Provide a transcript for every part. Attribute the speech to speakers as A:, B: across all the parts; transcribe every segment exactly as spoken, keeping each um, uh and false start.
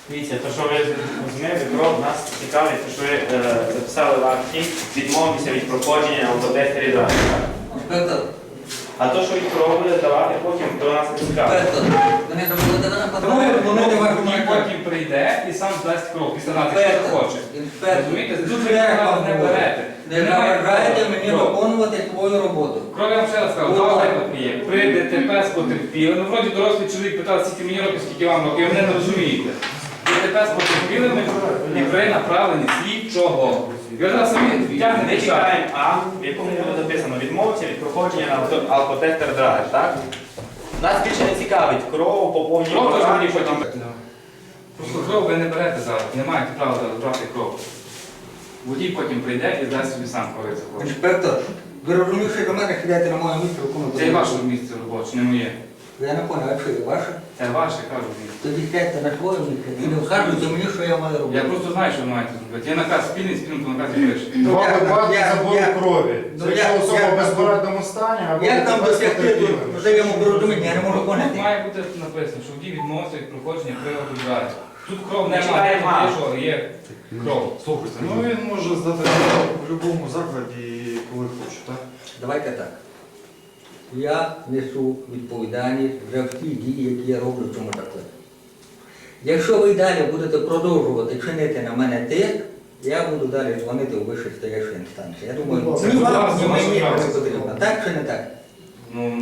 A: Дивіться, то, що ви зрозуміли, кров нас цікавить, то, що ви е, записали в акті, відмовитися від проходження на алкотестері далі, так? А то, що від кров буде давати потім, то нас не цікавить.
B: Тому водій потім прийде і сам здасть кров, після нас, якщо хоче. Розумієте, тут ви нас не берете.
C: Не заважайте мені виконувати твою роботу.
B: Кров, я вам ще раз сказав, два випадки є. При ДТП з потерпілими. Ну, вроді дорослий чоловік питав, скільки мені років, скільки вам років, ви мене не розумієте. ДТП з потерпілими і при направленні слідчого. Ви зараз самі
A: Ми
B: тягнете час.
A: чекаємо А, в якому буде написано відмовитися від проходження на алкотестер драйв, так? Нас більше не цікавить кров, поповнення
B: Кров теж
A: програми,
B: мені потім. Просто кров ви не берете зараз, не маєте права брати кров. Водій потім прийде і здасть собі сам, коли захоче.
C: Інспектор, ви розумієте, що до мене сідайте на моє місце виконувати?
B: Це і ваше місце робоче, не моє.
C: Я не понял, а що є ваше?
B: Це ваше, кажу місце.
C: Тоді сядьте на своє місце і не вказуйте мені, що я маю робити.
B: Я просто знаю, що ви маєте зробити. Є наказ спільний, спільний по наказі пише.
D: Два
C: я-
D: випадки
C: я-
D: забору
C: я-
D: крові.
C: ну,
D: Це
C: я-
D: якщо особа
C: я-
D: в безпорадному стані, або
C: Як там
D: без
C: досягти
D: потерпілих.
C: тут взаємопорозуміння, я не можу
B: Тут
C: поняти.
B: має бути написано, що водій відмовився від проходження приладу драйв. Тут кров
A: Ми
B: немає,
A: чекаємо А.
B: є, що є кров.
D: Слухайте, ну він може здати в будь-якому закладі, коли хоче, так?
C: Давайте так. Я несу відповідальність за всі дії, які я роблю в цьому закладі. Якщо ви далі будете продовжувати чинити на мене тиск, я буду далі дзвонити у вищі стоячі інстанції. Я думаю,
B: Це
C: ні
B: будь
C: вам,
B: ласка,
C: ні
B: ваше
C: мені
B: право.
C: не потрібно. Так чи не так?
B: Ну,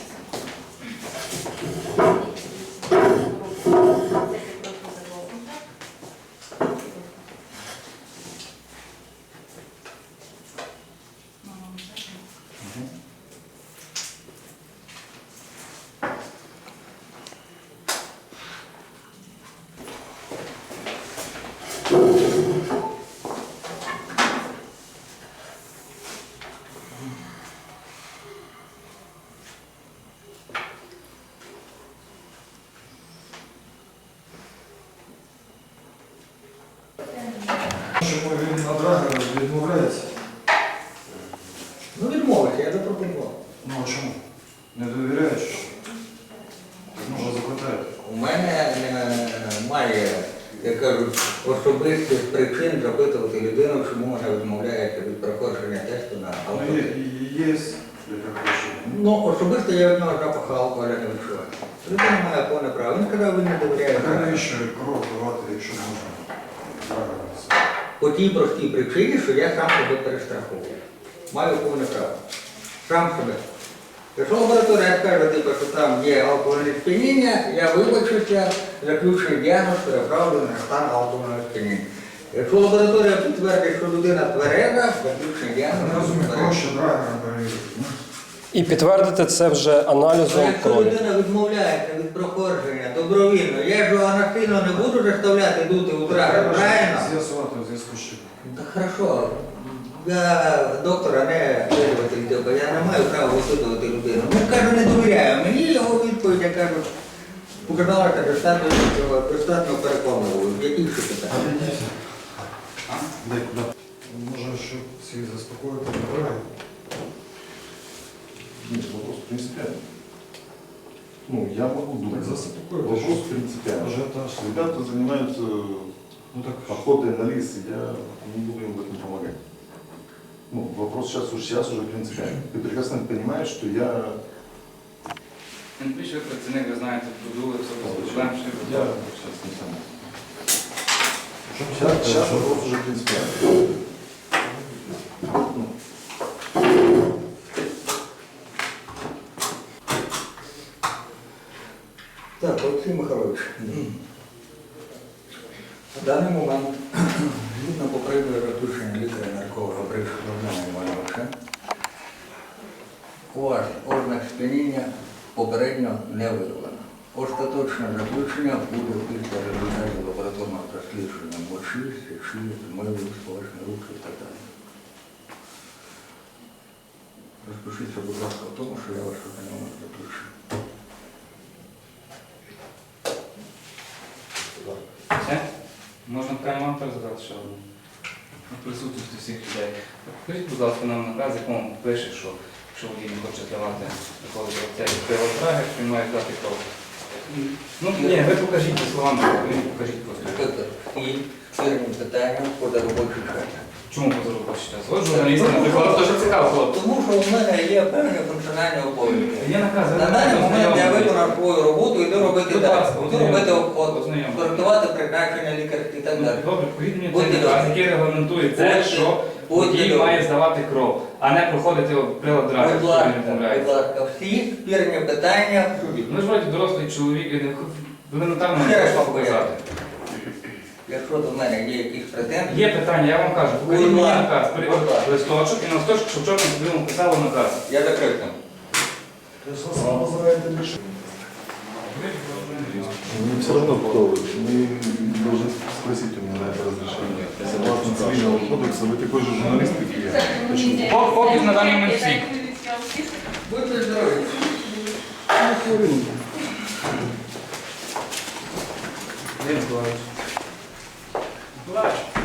D: Чому він на драгера відмовляється?
C: Ну відмовився, я запропонував.
D: Ну а чому? Не довіряєш? Може запитати.
C: У мене немає, як кажуть, особистих причин запитувати людину, чому вона відмовляється від проходження тесту на
D: Ну,
C: алкоголь.
D: є, є, яка хоче.
C: Ну, особисто я від нього запаху алкоголя не відчуваю. Людина має повне право. Він сказав, він не довіряє.
D: Так навіщо кров давати, якщо можна драгера?
C: По тій простій причині, що я сам себе перестраховую. Маю повне право. Сам себе. Якщо лабораторія скаже, типу, що там є алкогольне сп'яніння, я вибачуся, заключую діагноз, переправлю на стан алкогольного сп'яніння. Якщо лабораторія підтвердить, що людина твереза, заключую
D: Я
C: діагноз.
D: не розумію, проще драгера перевірити. ну.
E: І підтвердити це вже аналізом
C: Якщо
E: крові.
C: людина відмовляється від проходження добровільно, я ж його насильно не буду заставляти дути у драгер,
D: Треба
C: правильно?
D: з'ясувати в зв'язку з чим.
C: Так хорошо. Я доктора не слідуватель, бо я не маю права висудувати людину. Ну, кажу, не довіряю. Мені його відповідь, я кажу, показалася достатньо, достатньо переконливою. Які ще питання?
D: Дай куди? Може, щоб всіх заспокоїти, не треба?
F: Нет, вопрос принципиальный. Ну, я могу
D: Так
F: думать.
D: заспокоїти.
F: Вопрос принципиальный.
D: Ажіотаж.
F: Ребята занимаются
D: Ну так,
F: охотой на лис, и я не буду им в этом помогать. Ну, вопрос сейчас, уж сейчас уже принципиальный. Ты прекрасно понимаешь, что я...
B: він більше працівник, ви знаєте, продули, все без проблем.
F: Я сейчас не сам. Сейчас, сейчас вопрос уже принципиальный. Ну,
C: Так, Олексій Михайлович. В даний момент, згідно попереднього заключення лікаря-нарколога Бришка Романа Івановича, у вас ознак сп'яніння попередньо не виявлено. Остаточне заключення буде після результатів лабораторного дослідження мочі, сечі, змиву, сполочні руки і так далі. Розпишіться, будь ласка, в тому, що я вас ознайомив з заключенням.
B: Все? Можна прямо вам задати ще одну? На присутності всіх людей. Покажіть, будь ласка, нам наказ, якому пише, що якщо водій не хоче давати такого цей пилотрагер, він має дати кров. Ну, ні, ви покажіть по словам, ви покажіть просто.
C: І фірмі питання поза робочий час.
B: Чому позаробочий час? От журналісти, наприклад, дуже цікаво, хлопці.
C: Тому що у мене є певні функціональні обов'язки.
B: Є наказ, ви
C: На даний момент я виконав свою роботу, йду робити
B: Будь
C: далі.
B: ласка,
C: Йду робити от,
B: ознайомтесь.
C: коректувати призначення лікарських і так далі.
B: Добре, покажіть мені
C: Будьте
B: цей наказ,
C: добрі.
B: який регламентує це,
C: Будьте-
B: що
C: будьте
B: водій
C: добрі.
B: має здавати кров, а не проходити прилад драйву,
C: Будь
B: що він
C: ласка, будь
B: відмовляється.
C: ласка, всі спірні питання в суді.
B: Ну ж вроді дорослий чоловік, і не- елементарно
C: Ще
B: не
C: раз
B: можна
C: повторяю.
B: показати.
C: Якщо до мене є якісь претензії,
B: Є питання, я вам кажу, покажіть
C: Будь
B: мені
C: ласка,
B: наказ, при-
C: будь ласка.
B: листочок, і на листочок, щоб чорним по білому писало наказ.
C: я закрив там.
F: То есть вас называют решение. Мне все равно кто вы. Мы должны спросить у меня на это разрешение. Согласно цивильного кодекса, вы такой же журналист, как и я. Почему?
B: Пок- Поки на даний момент свій.
C: Будьте здорові.
B: Денис Миколаївич. Миколаївич.